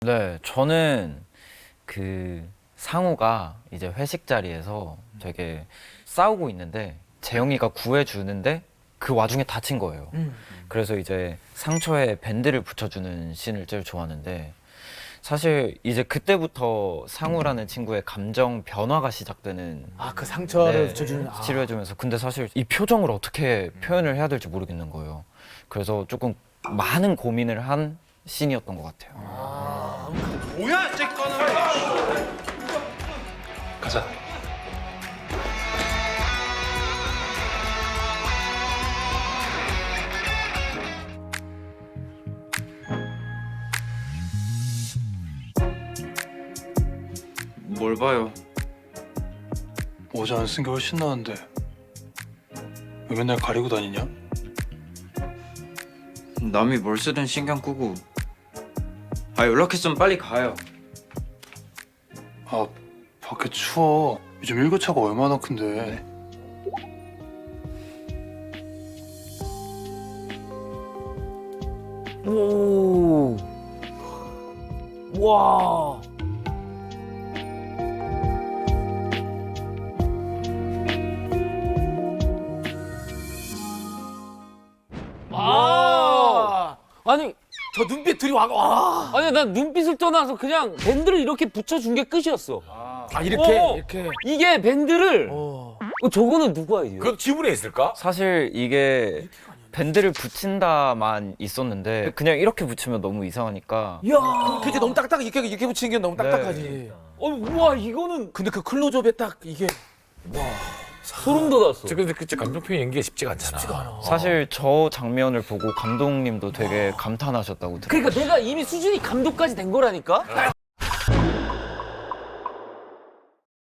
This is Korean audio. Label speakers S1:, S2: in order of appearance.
S1: 네, 저는 그 상우가 이제 회식 자리에서 되게 싸우고 있는데 재영이가 구해주는데 그 와중에 다친 거예요. 그래서 이제 상처에 밴드를 붙여주는 씬을 제일 좋아하는데 사실 이제 그때부터 상우라는 친구의 감정 변화가 시작되는
S2: 아, 그 상처를
S1: 네,
S2: 붙여주는.
S1: 치료해주면서 근데 사실 이 표정을 어떻게 표현을 해야 될지 모르겠는 거예요. 그래서 조금 많은 고민을 한 씬이었던 것 같아요.
S3: 뭐야, 쟤거는. 가자.
S4: 뭘 봐요?
S3: 모자 안 쓴 게 훨씬 나은데 왜 맨날 가리고 다니냐?
S4: 남이 뭘 쓰든 신경 끄고. 아, 연락했으면 빨리 가요.
S3: 아, 밖에 추워. 요즘 일교차가 얼마나 큰데.
S2: 오. 와. 아. 아니, 저 눈빛 들이 와.
S5: 아니 난 눈빛을 떠나서 그냥 밴드를 이렇게 붙여준 게 끝이었어.
S2: 아, 이렇게
S5: 어.
S2: 이렇게.
S5: 이게 밴드를
S2: 어.
S5: 저거는 누구 아이디어?
S6: 그 지문에 있을까?
S1: 사실 이게 밴드를 붙인다만 있었는데 그냥 이렇게 붙이면 너무 이상하니까
S2: 이야. 그게 너무 딱딱 이렇게 붙이는 게 너무 딱딱하지.
S5: 우와 이거는
S2: 근데 그 클로즈업에 딱 이게
S5: 소름 돋았어.
S6: 근데 그치 감정 표현 연기가 쉽지가 않잖아.
S1: 사실 저 장면을 보고 감독님도 되게 감탄하셨다고 들어요.
S5: 그러니까 내가 이미 수준이 감독까지 된 거라니까.